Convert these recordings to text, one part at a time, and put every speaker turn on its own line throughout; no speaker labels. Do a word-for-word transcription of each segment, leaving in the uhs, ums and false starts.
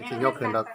สิยกขึ้นดอก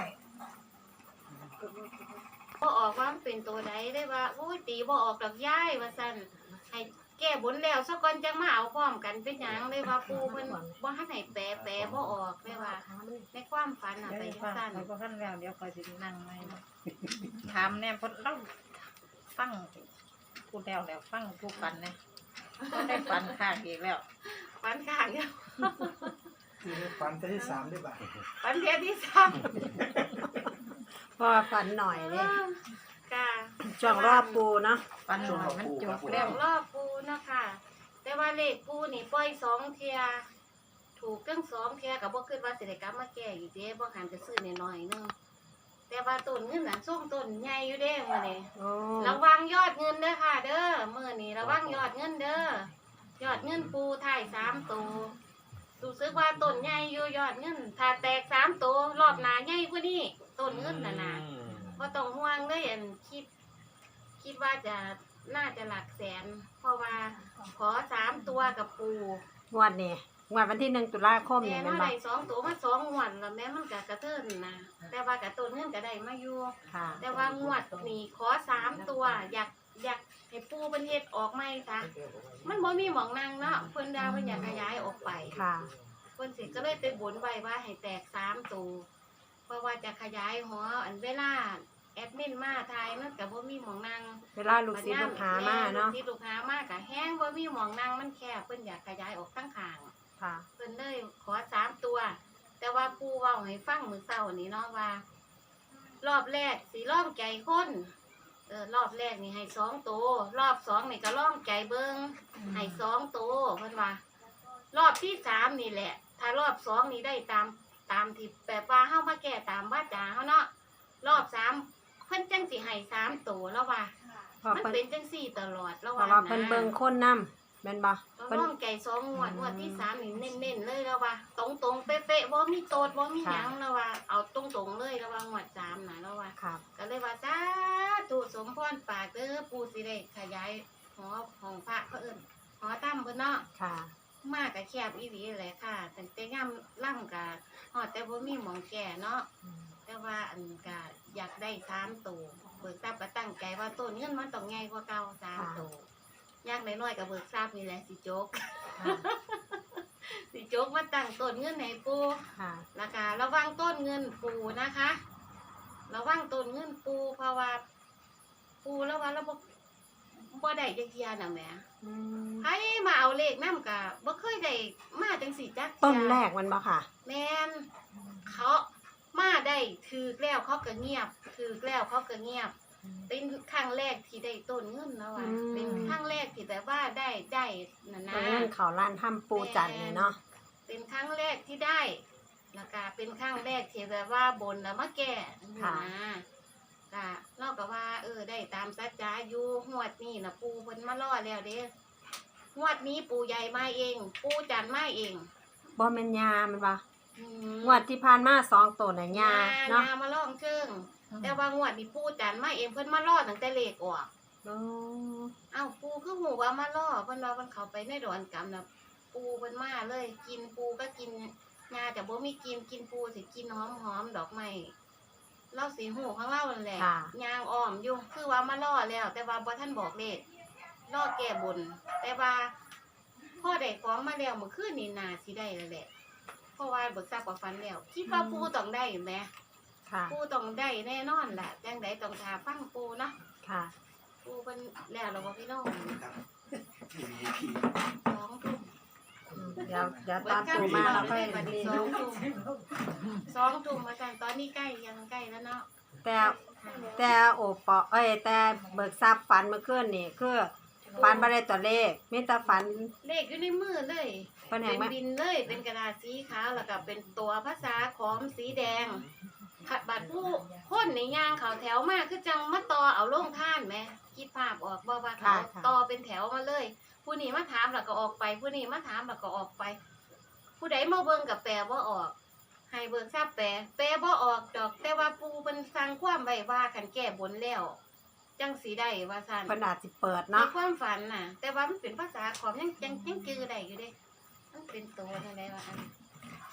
บ่ออกว่ามันเป็นตัวใดได้ว่าโอ้ยตีบ่ออกดอกย้ายว่าซั่นให้แก้บนแล้วซะก่อนจังมาเอาพร้อมกันเป็นหยังเลยว่าปู่เพิ่นบ่ทันให้แปลแปลบ่ออกเลยว่าในความฝันน่ะไปจังซั่น
เราก็ขั้นแล้วเดี๋ยวคอยสินั่งไม่ถามแน่เพราะเราฟังพูดแล้วแล้วฟังผู้ฝันเนี่ยก็ได้ฝันข้างอีกแล้ว
ฝันข้างเดียว
คือฝันเที่ยวที่สามได้บ่า
ฝันเที่ยที่สาม
พอฝันหน่อยเลย
ค่ะ
ช่วงรอบปูเนาะ
ฝันหน่อยมันจบ
แล้
แล้ว ว
รอบปูเนาะค่ะแต่ว่าเลขปูนี่ปล่อยสองเที่ยถูกทั้งสองเที่ยก็บ่คิดว่าสิได้กลับมาแก้อีกเด้บ่หันจะซื้อน้อยๆนึงแต่ว่าต้นเงินน่ะส่งต้นใหญ่อยู่เด้มื้อนี้
โอ้
ระวังยอดเงินเด้อค่ะ เด้อมื้อนี้ระวังยอดเงินเด้อยอดเงินปูถ่ายสามตัวรู้สึกว่าต้นใหญ่อยู่ยอดเงินถ้าแตกสามตัวรอบหน้าใหญ่กว่านี้ต้นเงินน่ะนะบ่ต้องห่วงเลยอันคิด คิดว่าจะน่าจะหลักแสน เพราะว่าขอสามตัวกับปู
งวดนี่งวดวันที่หนึ่งตุลาคม
แม่
นี่
เนาะ
แม่นบ่
ได้สองตัวมาสองงวดแล้วแม่มันก็กระเทินนะแต่ว่ากับต้นเงินก็ได้มาอยู่
ค่ะ
แต่ว่างวดนี้ขอสามตัว อยากอยากให้ปูเป็นเฮ็ดออกไหมคะมันบ่มีหมองนั่งเนาะเพิ่นดาเพิ่นอยากขยายออกไป
ค่ะ
เพิ่นสิก็เลยไปบนไว้ว่าให้แตกสามตัวเพราะว่าจะขยายหออันเวลาแอดมินมาทายมันก็บ่มีหมองนั่ง
เวลาลูกศิษย์ลูกหามาเนาะ
ลูกศิษย์ลูกหามากะแห้งบ่มีหมองนั่งมันแคบเพิ่นอยากขยายออกทั้งข้าง
ค่ะ
เพิ่นเลยขอสามตัว แต่ว่าปู่เว้าให้ฟังมื้อเช้านี้เนาะว่า รอบแรกสิล่องใจคนเออรอบแรกนี่ให้สองตัวรอบสองนี่ก็ล่องใจเบิ่งให้สองตัวเพิ่นว่ารอบที่สามนี่แหละ ถ้ารอบสองนี่ได้ตามตามที่แบบว่าเฮามาแก้ตามวาจาเฮาเนาะรอบสามเพิ่นจังสิให้สามตัวแล้วว่า
เพราะ
มัน
เพิ่น
เป็นจังสี่ตลอดแล้ว
เพราะว่าเพิ่นเบิ่งคนนำแม่นบ่
ต้อง
เพิ่น
ร่องใจสองงวดงวดที่สามนี่เน้นๆเลยแล้วว่า ตรงๆเป๊ะๆบ่มีโตดบ่มีหยังแล้วว่าเอาตรงๆเลยแล้วว่างวดสามน่ะแล้วว่า
ครับ
ก็เลยว่าสาธุสมพรปากเด้อปู่สิได้ขยายหอของพระเขาเอิ้นหอถ้ำเพิ่นเนาะ
ค่ะ
มากก็แคบอีหลีแหละค่ะตั้งแต่ย่ำล่ำก็ฮอดแต่บ่มีหมองแก่เนาะ แต่ว่าอันก็อยากได้สามตัวเบิกทรัพย์ก็ตั้งใจว่าต้นเงินมันต้องใหญ่กว่าเก่าสามตัวอยากน้อยๆกับเบิกทรัพย์นี่แหละสิโจก
ค่ะ
สิโจกมาตั้งต้นเงินให้ปู
ค่ะ
ราคาระวังต้นเงินปูนะคะระวังต้นเงินปูเพราะว่า ปูแล้วว่าเราบ่บ่ได้จักเที่ยน่ะแหม
อืม
ไผมาเอาเลขนำก็บ่เคยได้มาจังสี่จักเที่ย
ต้นแรกมันบ่ค่ะ
แม่นเขามาได้ถือแล้วเขาก็เงียบถือแล้วเขาก็เงียบ เป็นครั้งแรกที่ได้ต้นเงินแล้วอ่ะ
อืม
เป็นครั้งแรกที่แบบว่าได้ได้นะนะ
ต้นเงินเขาล้านถ้ำปูจันทร์นี่เนาะ
เป็นครั้งแรกที่ได้แล้วก็เป็นครั้งแรกที่แบบว่าบนแล้วมาแก่นะก็เราก็ว่า เออได้ตามสัจจาอยู่หวดนี่นะปูเพิ่นมาล่อแล้วเด้หวดนี้ปูใหญ่มาเอง ปูจันมาเอง
บ่แม่นยามันบ่
อืม
งวดที่ผ่านมาสองตัวน่ะยาเนาะ
ยามาล่องเชิง แต่ว่างวดนี้ปูจันมาเองเพิ่นมาล่อตั้งแต่เลขออก
โอ้
เอ้าปูคือหูว่ามาล่อเพิ่นว่าเพิ่นเข้าไปในดอนกำน่ะปูเพิ่นมาเลย กินปูก็กินยาแต่บ่มีกินกินปูสิกินหอมๆดอกไม้เล่าสีหูข้างเล่านั่นแหละยางอ้อมอยู่คือว่ามาล่อแล้ว แต่ว่าบ่ทันบอกเลขล่อแก้บน แต่ว่าพ่อได้ของมาแล้วเมื่อคืนนี้น่าสิได้แล้วแหละเพราะว่าเบิกทราบกว่าฟันแล้วคิดว่าปูต้องได้แหม
ค่ะ
ปูต้องได้แน่นอนแหละจังไดต้องทาฟังปูเนาะ
ค่ะ
ปูเป็นแล้วเราบอกพี่น้อง
ครับ
สองทุ่ม
อืมเดี๋ยวเดี๋ยวตอนปูมาเราค่อย
บัดนี้
นี่
สองทุ่มสองทุ่มมากันตอนนี้ใกล้ยังใกล้แล้วเนาะ
แต่แต่โอปอเอ้ยแต่เบิกทรัพย์ฝันเมื่อคืนนี่คือฝันบ่ได้ตัวเลขมีแต่ฝัน
เลขอยู่ในมือเลย
เพิ่น
เป็
แห่ง
น
มา
บินเลยเป็นกระดาษสีขาวแล้วก็เป็นตัวภาษาขอมสีแดงขัดบัตรผู้คนในย่างเขาแถวมากคือจังมาต่อเอาลงท่านไหมคิดภาพออกบ่ว่าเขาต่อเป็นแถวมาเลย ผู้นี้มาถามแล้วก็ออกไปผู้นี้มาถามแล้วก็ออกไป ผู้ใดมาเบิ่งกับแปลว่าออก ให้เบิกทราบแปลแปลบ่ออกดอก แต่ว่าปูเป็นสั่งความไว้ว่าคันแก้บนแล้ว จังสีได้ว่าซั่น
เพิ่นอาจสิเปิด
ใน
เนาะ
ความฝันน่ะ แต่ว่ามันเป็นภาษาขอมยังยังยังจือได้อยู่เด้มันเป็นตัวนั่นแหละว่าอัน
ก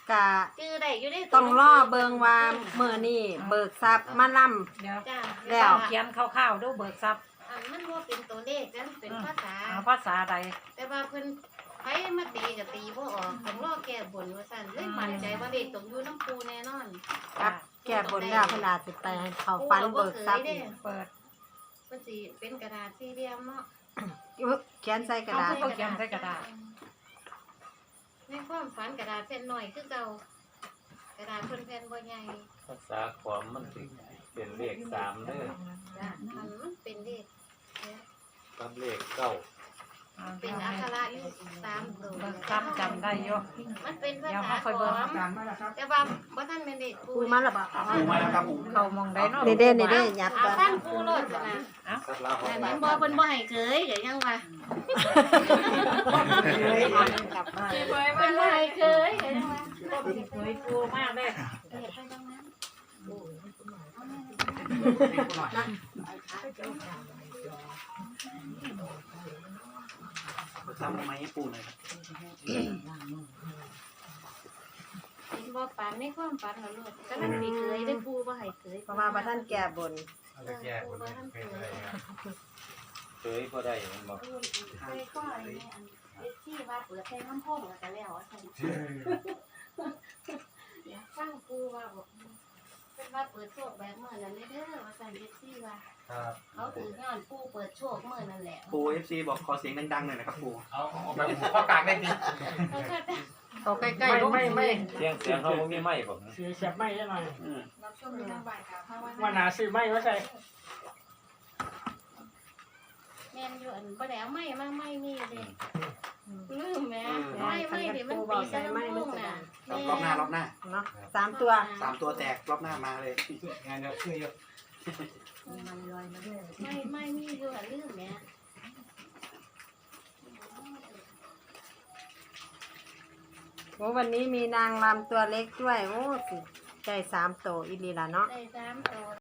กะ
จื้อได้อยู่ได้
ต้องรอเบิงว่ามื้อนี้เบิกทรัพย์มาล่ำ
เดี๋ยว
จ้า
แล้ว
เขียนคร่าวๆดูเบิกทรัพย์
อันมันว่าเป็นตัวเลขกันเป็นภาษา
เอาภาษาใด
แต่ว่าเพิ่นไผมาตีก็ตีบ่ออกต้องรอแก้บนว่าซั่นเลยมั่นใจว่าเลขต้องอยู่น้ำปูแน่นอน
ครับแก้บนแล้วเพิ่นอาจสิไปให้เขาฟันเบิกทรัพย์อีก
เปิด
มันสิเป็นกระดาษสี่เหลี่ยมเนาะ
อุ๊ยเขียนใส่กระดาษ
เอาเขียนใส่กระดาษ
ในความฝันกระดาษแผ่นหน่อยคือเก่ากระดาษเพิ่นแผ่นบ่ใหญ่
ภาษาขวามมันสิเป็นเลขสามเด้อ
จ้ะมันมันเป็นเลขเนี่ย
กับเลขเก้า
เป็นอักขระอยู่สามตัว
เบิกทรัพย์จำได้อยู่
มันเป็นภา
เดี๋ยว
ษา
เขาค่อยเบิ่ง
ขอม
การมาแล้วครับ
แต่ว่าบ่ทันเป็นเลขปู
ปูมาแล้วบ่
ปูมาแล้วครับผม
เขามองได้เนาะ
นี่เด้นี่เด้ยับ
เอา
ก่อน
ฟังปูโลดซะนะ
สัตว์ลาห
แต่
ก
แม่นบ่เพิ่นบ่ให้เคยเดี๋ยวยังว่า
กลับบ้าน
เพิ่นบ่ให้เคยเดี๋ยวยังว่า
เฮ้ยปูมากเลย
เฮ็ดไปตรงนั้น
ทำไมให้ปูหน่อยครับ
เห็นบ่ปานในความฝันแล้วลูกกำลังสิเคยได้ปูบ่ให้เคย
เพราะว่าบ่ทันแก้บน
เออปูบ่ทันเคย
เคยก็ได้มันบอก
เคยก็ไอ้นี่อันเอฟซีว่าเปิดเพลงน้ำโพงแล้วก็แล้วว่าซั่นอยากฟังปูว่าบอกเพิ่นว่าเปิดโชคแบบมื้อนั้นเด้อว่าซั่นเอฟซีว่า
ครับ
เขาถือย้อนปูเปิดโชคมื้อนั่นแหละ
ปูเอฟซีบอกขอเสียงดังๆหน่อยนะครับปู
เอาเอาแบบข้อกลางได้ดี
เขาก็จะ
เขาใกล้ๆลง
ไม่ไม่
เสียงเสียงเขาบ่มีไม้บอก
เสียเสียบไม่ได้หน่อย
อืม
รับชมเรื่องบ่ายกับภาวนา
ว่านาซื้อไม่ว่าใส่
แม่นอยู่อันบ่ได้เอาไม้มาไม้มีเด้ลืมแหม่ไม้ไม้เดี๋ยวมันตีใส่น้ำโพงน่ะ
รอบหน้ารอบหน้า
เนาะสามตัว
สามตัวแตกรอบหน้ามาเลย
งานเดียวซื้อเยอะ
ไม่ไม่มีอยู่อะลืมแหม่
โอ้วันนี้มีนางรำตัวเล็กด้วย โอ้สิได้สามโตวอีหลีล่ะเนาะ
ได้สามตัว